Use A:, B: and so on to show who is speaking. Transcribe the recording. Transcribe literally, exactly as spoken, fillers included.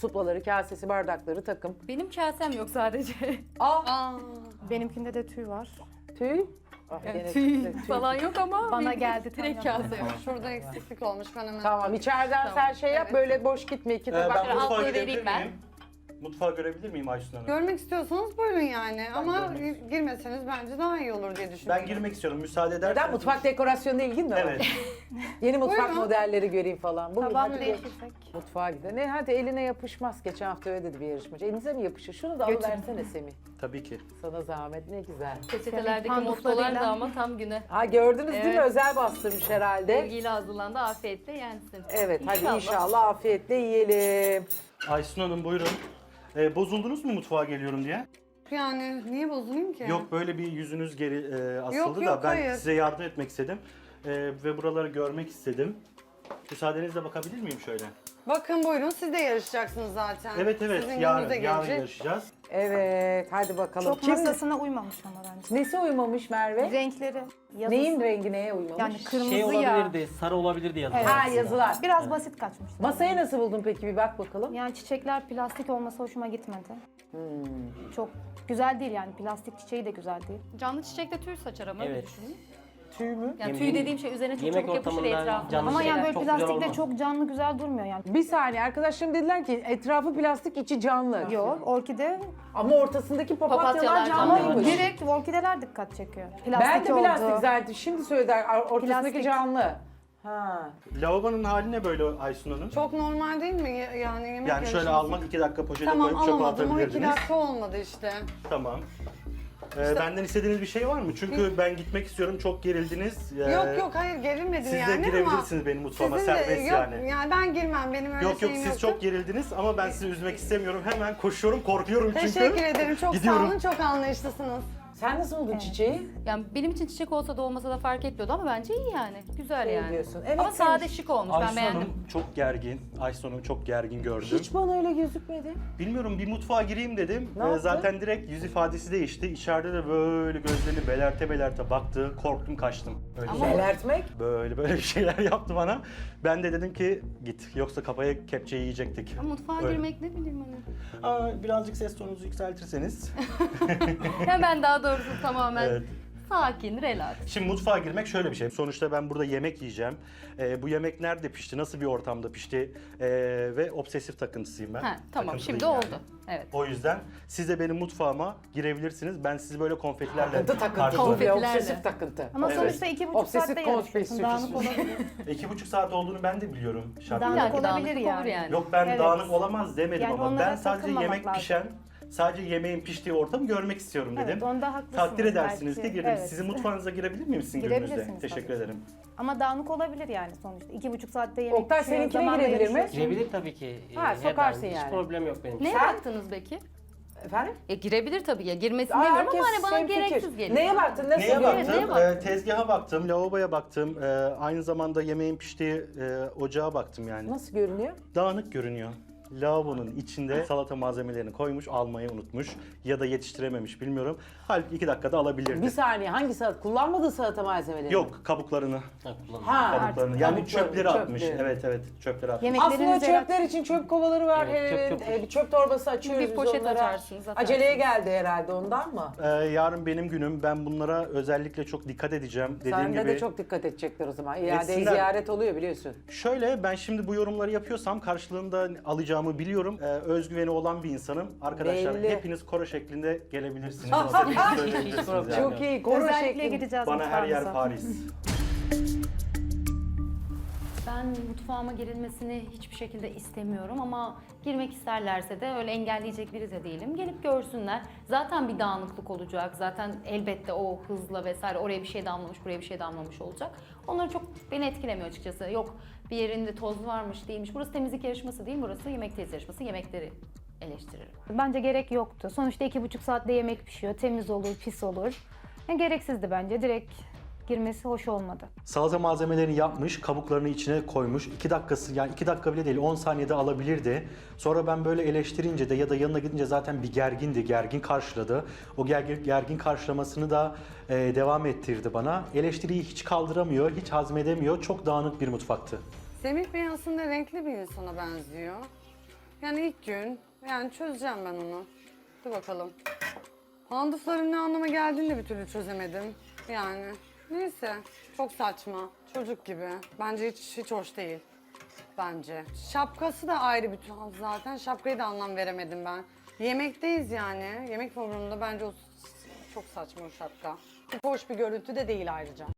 A: Suplaları, kasesi, bardakları takım.
B: Benim kasem yok sadece.
A: Aa,
C: Benimkinde de tüy var.
A: tüy. Ah,
B: Yani
A: gene
B: tüy
A: tüy.
B: falan yok ama
C: Bana
B: bir-
C: geldi,
B: direkt
C: tamam.
B: kase yok.
D: Şurada eksiklik olmuş ben hemen.
A: Tamam, içeriden
B: Tamam.
A: sen şey yap,
D: Evet.
A: böyle boş gitme. İki
E: Ee,
A: tabak.
E: ben
B: Şöyle
E: mutfağa
B: altlığı
E: girebilir
B: vereyim ben.
E: miyim? Mutfağı görebilir miyim Aysun Hanım?
D: Görmek istiyorsanız buyurun yani ama
E: görmek
D: girmeseniz bence daha iyi olur diye düşünüyorum.
E: Ben girmek istiyorum, müsaade ederseniz.
A: Neden? Mutfak dekorasyonuna ilgin mi var?
E: Evet.
A: Yeni mutfak
D: Buyurun.
A: modelleri göreyim falan. Buyurun,
C: Tabağını
A: hadi geç.
C: değiştirsek.
A: Mutfağa gidelim. Ne hadi eline yapışmaz. Geçen hafta öyle dedi bir yarışmacı. Elinize mi yapışır? Şunu da
C: Götürün.
A: alıversene Semih.
E: Tabii ki.
A: Sana zahmet, ne güzel.
B: Peçetelerdeki
C: Panduflarıyla-
B: mottolar da ama tam güne.
A: Ha gördünüz değil mi?
B: Evet.
A: Özel bastırmış herhalde.
B: Sevgiyle hazırlandı, afiyetle yensin.
A: Evet, hadi inşallah afiyetle yiyelim.
E: Aysun Hanım buyurun. Ee, bozuldunuz mu mutfağa geliyorum diye?
D: Yani niye bozulayım ki?
E: Yok, böyle bir yüzünüz geri e, asıldı
D: Yok,
E: da
D: yok,
E: ben
D: hayır.
E: size yardım etmek istedim. Ee, ve buraları görmek istedim. Müsaadenizle bakabilir miyim şöyle?
D: Bakın buyurun siz de yarışacaksınız zaten.
E: Evet evet,
D: Sizin
E: yarın,
D: gününüze
E: yarın
D: gelecek.
E: yarışacağız.
A: Evet, hadi bakalım.
C: Çok
A: Kim?
C: masasına uymamış ama bence.
A: Nesi uymamış Merve?
C: Renkleri, yazısı.
A: Neyin rengi neye uymamış?
C: Yani kırmızı
F: Şey
C: ya.
F: olabilirdi, sarı olabilirdi yazılar.
C: Evet.
A: Ha,
F: aslında.
A: yazılar.
C: Biraz basit kaçmış.
A: Masayı nasıl buldun peki, bir bak bakalım.
C: Yani çiçekler plastik olması hoşuma gitmedi.
A: Hmm.
C: Çok güzel değil yani, plastik çiçeği de güzel değil.
B: Canlı çiçekte tüy saçar ama öyle
F: Evet.
B: düşünün.
A: Tüy mü?
B: Yani
F: Yem-
B: tüy dediğim şey üzerine çok
F: yemek
B: çabuk yapışır
F: ortamında
B: etrafına.
F: canlı
C: Ama
F: şeyler
C: yani böyle
F: çok güzel
C: plastikte
F: olmaz.
C: çok canlı güzel durmuyor yani.
A: Bir saniye, arkadaşlarım dediler ki etrafı plastik, içi canlı.
C: Yok, orkide
A: Ama ortasındaki papatyalar
B: Papatyalar
A: canlıymış.
B: canlı.
C: direkt orkideler dikkat çekiyor. Plastik
A: Ben de plastik
C: oldu.
A: zaten. Şimdi söylediler, ortasındaki
C: Plastik.
A: canlı. Ha.
E: Lavabonun hali ne böyle Aysun Hanım?
D: Çok normal değil mi Ya- yani yemek
E: Yani şöyle
D: yarışması?
E: almak iki dakika poşete
D: Tamam
E: koyup çöpe
D: alamadım o iki
E: atabilirdiniz.
D: dakika olmadı işte.
E: Tamam. Ee, benden istediğiniz bir şey var mı? Çünkü ben gitmek istiyorum, çok gerildiniz. Ee,
D: Yok yok hayır gerilmedim
E: Siz de
D: yani ama.
E: girebilirsiniz benim mutfağıma,
D: Sizin de-
E: serbest
D: yok,
E: yani.
D: ben girmem benim öyle
E: Yok yok,
D: şeyim
E: siz
D: yoktu.
E: çok gerildiniz ama ben sizi üzmek istemiyorum. Hemen koşuyorum, korkuyorum çünkü.
D: Teşekkür ederim çok
E: Gidiyorum.
D: sağ olun çok anlayışlısınız.
A: Sen nasıl buldun çiçeği?
B: Yani benim için çiçek olsa da olmasa da fark etmiyordu ama bence iyi yani. Güzel
A: Şey
B: yani.
A: diyorsun. Evet,
B: ama
A: sen-
B: sade şık olmuş, ben
E: Aysun
B: beğendim.
E: Hanım çok gergin. Aysun Hanım çok gergin gördüm.
A: Hiç bana öyle gözükmedi.
E: Bilmiyorum, bir mutfağa gireyim dedim.
A: Ne
E: Ee,
A: yaptı?
E: zaten direkt yüz ifadesi değişti. İçeride de böyle gözlerini belerte belerte baktı. Korktum, kaçtım. Öyle
B: Ama-
E: söyleyeyim.
A: Belertmek.
E: Böyle böyle bir şeyler yaptı bana. Ben de dedim ki git, yoksa kafaya kepçe yiyecektik.
B: Ama mutfağa
E: Öyle.
B: girmek ne bileyim hani.
E: Aa, birazcık ses tonunuzu yükseltirseniz.
B: Yani ben daha doğrusu tamamen
E: Evet.
B: sakin, relax.
E: Şimdi mutfağa girmek şöyle bir şey. Sonuçta ben burada yemek yiyeceğim. Ee, bu yemek nerede pişti, nasıl bir ortamda pişti ee, ve obsesif takıntısıyım ben.
B: Ha, tamam
E: Takıntılıyım
B: şimdi
E: yani.
B: oldu. Evet.
E: O yüzden siz de benim mutfağıma girebilirsiniz. Ben sizi böyle konfetilerle
A: Takıntı takıntı.
E: karşılarım.
A: Ve
B: Konfetilerle.
A: obsesif takıntı.
C: Ama
E: Evet.
C: sonuçta iki buçuk
A: Obsesif
C: saatte yarışıyorsun.
A: kompulsif.
C: Dağınık olabilir.
E: İki buçuk saat olduğunu ben de biliyorum şartları.
C: Dağınık
B: Belki
C: olabilir
B: dağınıklık
C: yani.
B: olur yani.
E: Yok, ben
C: Evet.
E: dağınık olamaz demedim
C: Yani
E: ama
C: onlara
E: ben sadece
C: takılmamak
E: yemek
C: lazım.
E: pişen, sadece yemeğin piştiği ortamı görmek istiyorum dedim.
C: Evet, onda haklısınız.
E: Takdir edersiniz
C: belki.
E: ki girdim.
C: Evet.
E: Sizin mutfağınıza girebilir miyim sizin gününüzde?
C: Girebilirsiniz
E: Teşekkür
C: tabii.
E: ederim.
C: Ama dağınık olabilir yani sonuçta. İki buçuk saatte yemek
A: Oktay,
C: pişiyor,
A: seninkine
C: zamanla
A: girebilir mi?
C: yarışıyorsun.
F: Girebilir tabii ki. Ee,
A: Ha,
F: her
A: sokarsın
F: daim.
A: yani.
F: Hiç problem yok benim için.
B: Neye baktınız peki?
A: Efendim?
B: E girebilir tabii ya. Girmesini
A: Aa,
B: demiyorum ama
A: herkes
B: hani bana
A: hemfikir.
B: gereksiz geliyor.
A: Neye baktın? Nasıl
E: Neye
A: bir-
E: baktım?
B: neye baktın?
E: Ee, tezgaha baktım, lavaboya baktım. Ee, aynı zamanda yemeğin piştiği e, ocağa baktım yani.
A: Nasıl görünüyor?
E: Dağınık görünüyor. Lavabonun içinde salata malzemelerini koymuş, almayı unutmuş ya da yetiştirememiş bilmiyorum. Halbuki iki dakikada alabilirdi.
A: Bir saniye, hangi salata? Kullanmadığı salata malzemeleri?
E: Yok, kabuklarını.
F: Ha, kullanın.
A: Ha.
E: Kabuklarını. Yani
A: Kabukları,
E: çöpleri atmış.
A: çöpleri.
E: Evet evet, çöpleri atmış.
C: Yemek-
A: Aslında
C: Yemeklerinizi
A: çöpler için çöp kovaları var.
F: Evet, çöp,
A: Evet,
F: çöp.
A: e, bir çöp torbası açıyoruz
B: Bir
A: biz
B: poşet
A: onlara.
B: açarsınız, atarsınız.
A: Aceleye geldi herhalde, ondan mı?
E: Ee, yarın benim günüm. Ben bunlara özellikle çok dikkat edeceğim. Dediğim
A: Sende
E: gibi.
A: de çok dikkat edecekler o zaman. İade
E: Etsinler.
A: ziyaret oluyor biliyorsun.
E: Şöyle, ben şimdi bu yorumları yapıyorsam karşılığında alacağımı biliyorum. Ee, özgüveni olan bir insanım. Arkadaşlar
A: Belli.
E: hepiniz koro şeklinde gelebilirsiniz. İstediğinizi söyleyebilirsiniz yani.
A: Çok iyi, koro
C: Özellikle
A: şekli.
C: gideceğiz
E: Bana her yer
C: mutfağınıza.
E: Paris.
B: Ben mutfağıma girilmesini hiçbir şekilde istemiyorum ama girmek isterlerse de öyle engelleyecek biri de değilim. Gelip görsünler. Zaten bir dağınıklık olacak. Zaten elbette o hızla vesaire oraya bir şey damlamış, buraya bir şey damlamış olacak. Onları çok beni etkilemiyor açıkçası. Yok bir yerinde toz varmış değilmiş. Burası temizlik yarışması değil, burası yemek teyze yarışması. Yemekleri eleştiririm.
C: Bence gerek yoktu. Sonuçta iki buçuk saatte yemek pişiyor. Temiz olur, pis olur. Yani gereksizdi bence. Direkt girmesi hoş olmadı.
E: Salata malzemelerini yapmış, kabuklarını içine koymuş. iki dakikası, yani iki dakika bile değil, on saniyede alabilirdi. Sonra ben böyle eleştirince de ya da yanına gidince zaten bir gergindi, gergin karşıladı. O gergin, gergin karşılamasını da e, devam ettirdi bana. Eleştiriyi hiç kaldıramıyor, hiç hazmedemiyor. Çok dağınık bir mutfaktı.
D: Semih Bey aslında renkli bir insana benziyor. Yani ilk gün. Yani çözeceğim ben onu. Dur bakalım. Pandufların ne anlama geldiğini de bir türlü çözemedim. Yani neyse. Çok saçma. Çocuk gibi. Bence hiç, hiç hoş değil. Bence. Şapkası da ayrı bir tuhaf zaten. Şapkayı da anlam veremedim ben. Yemekteyiz yani. Yemek programında bence o çok saçma o şapka. Hiç hoş bir görüntü de değil ayrıca.